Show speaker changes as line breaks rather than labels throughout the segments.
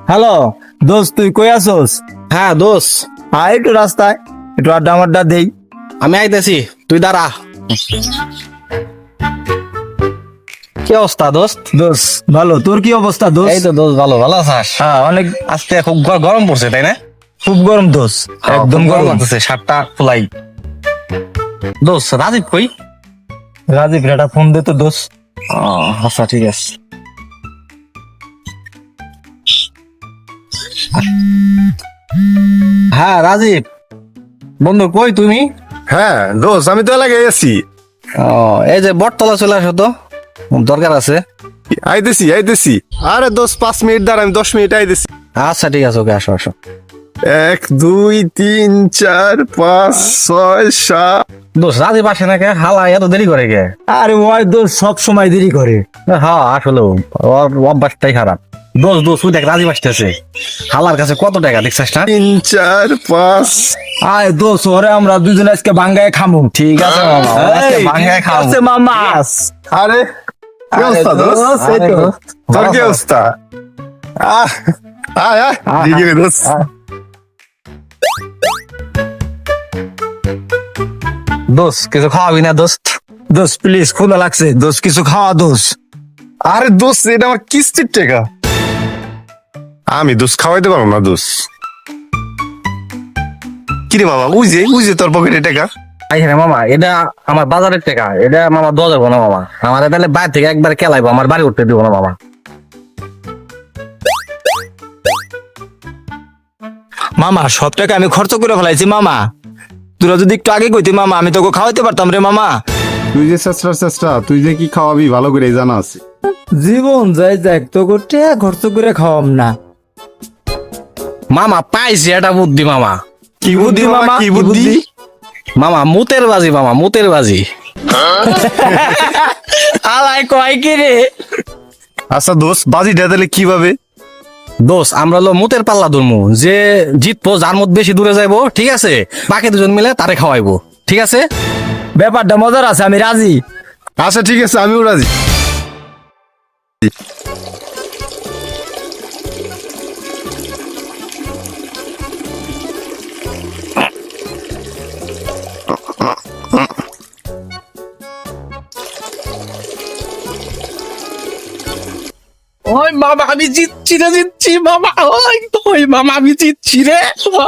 Hello দোস্ত, তুই কই আসোস?
হ্যাঁ দোষ,
আয় একটু রাস্তায়, একটু আড্ডা মাড্ডা দেই।
আমি আইতেছি, তুই দাঁড়া। কি অবস্থা দোস্ত?
দোস্ত ভালো, তোর কি অবস্থা দোস্ত?
এই তো দোষ, ভালো ভালো আছিস?
হ্যাঁ অনেক,
আজকে খুব গরম পড়ছে তাই না?
খুব গরম দোস্ত, একদম
খুব
গরম।
লাগতেছে, শার্টটা খোলাই। দোস্ত রাজীব কই?
রাজীব একটা ফোন দে তো দোস্ত।
আচ্ছা ঠিক আছে। হ্যাঁ রাজীব বন্ধু, কই তুমি?
হ্যাঁ দোষ, আমি তো এলাকায় আছি।
এই যে বটতলা চলে আসো তো, দরকার আছে।
আইতেছি। আরে দোষ 5 মিনিট দাঁড়া, আমি 10 মিনিট আইতেছি।
আচ্ছা ঠিক আছে, ওকে আসো আসো।
1 2 3 4 5 6 7।
দোস্ত রাজীব আসে না কে? হালা এত দেরি করে কে?
আরে ওই দোস্ত সব সময় দেরি করে।
হ্যাঁ আসলে ওর অভ্যাসটাই খারাপ। দোষ দোষ ওই দেখ রাজীব আসতেছে। হালার কাছে কত টাকা দেখছিস না?
3 4 5।
আয় দোস্ত, ওরে আমরা দুজন আজকে ভাঙ্গায় খামু।
ঠিক আছে মামা, ওরা আজকে
এই,
ভাঙ্গায় খাও।
আছে মামা।
আরে কি অবস্থা দোষ?
এই তো।
তোর কি অবস্থা? আহ, আয় আয় দিকে রে দোষ।
দোষ কিছু খাওয়াবি না দোস্ত?
দোস্ত প্লিজ, ক্ষুধা লাগছে দোস্ত, কিছু খাওয়া দোস্ত।
আরে দোষ, এটা আমার কিস্তির টাকা, আমি দোষ খাওয়াইতে পারবো না দোষ। কিরে মামা, উই যে তোর পকেটে টাকা।
আই হ্যাঁ মামা, এটা আমার বাজারের টাকা, এটা মামা দেওয়া যাবো না মামা। আমার তাহলে বাইরে থেকে একবার কেলাইবো, আমার বাড়ি উঠতে দিব না মামা।
মামা সব টাকা আমি খরচ করে ফেলাইছি মামা, তোরা যদি একটু আগে কইতি মামা, আমি তোকে খাওয়াইতে পারতাম রে মামা।
তুই যে চেষ্টা তুই যে কি খাওয়াবি ভালো করে জানা আছে।
জীবন যাই যাক, তোকে টাকা খরচ করে খাওয়াম না।
মামা পাইছি এটা বুদ্ধি মামা।
কি বুদ্ধি মামা,
কি বুদ্ধি?
মামা মুতের বাজি, মামা মুতের বাজি।
আলাই কয় কি রে?
আচ্ছা দোষ, বাজিটা তাহলে কিভাবে?
দোষ আমরা হলো মুতের পাল্লা ধরমু, যে জিতবো যার মত বেশি দূরে যাইবো, ঠিক আছে? বাকি দুজন মিলে তারে খাওয়াইবো, ঠিক আছে?
ব্যাপারটা মজার আছে, আমি রাজি।
আচ্ছা ঠিক আছে, আমিও রাজি।
ওই মামা আমি জিতছি রে, জিতছি মামা। ওই মামা আমি জিতছি রে।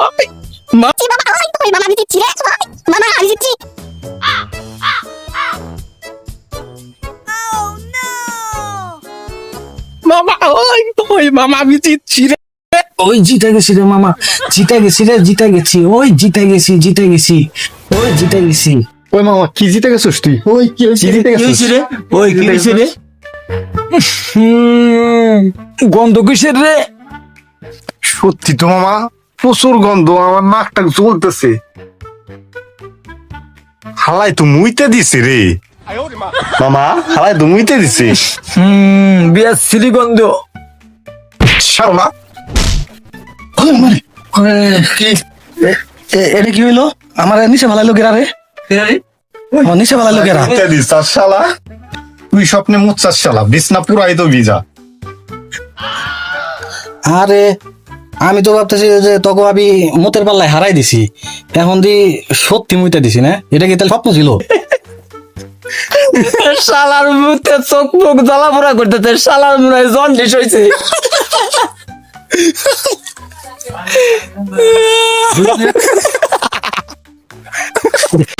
মামা ওই মামা আমি জিতছি রে। ওই জিতে গেছি রে মামা, জিতে গেছি রে, জিতে গেছি। ওই জিতে গেছি, জিতে গেছি। ওই জিতে গেছি।
ওই মামা, কি জিতে গেছিস তুই? ওই কি জিতে
কি
গেছিস?
হয়েছে রে? ওই কি হয়েছে রে? গন্ধ কিসের রে?
সত্যি তো মামা, প্রচুর গন্ধ, আমার নাকটা জ্বলতেছে। হালাই তো মুইতে দিছে রে মামা, হালাই তো মুইতে দিছে।
বিয়ার সিলি গন্ধ।
শালা
এটা কি হইলো? আমার নিচে ভালাইলো গেরা রে। আমার নিচে ভালাইলো গেরা।
মুইতে দিস আর শালা, তুই স্বপ্নে মুচ্ছাস শালা, বিছনা পুরাই তো ভিজা।
আরে আমি তো ভাবতেছি যে তোকে আমি মুতের পাল্লায় হারাই দিছি, এখন দি সত্যি মুইতে দিছি না? এটা কি তাহলে স্বপ্ন ছিল?
শালার মুখে চোখ মুখ জ্বালা পোড়া করতেছে, শালার মনে হয় জন্ডিস হয়েছে।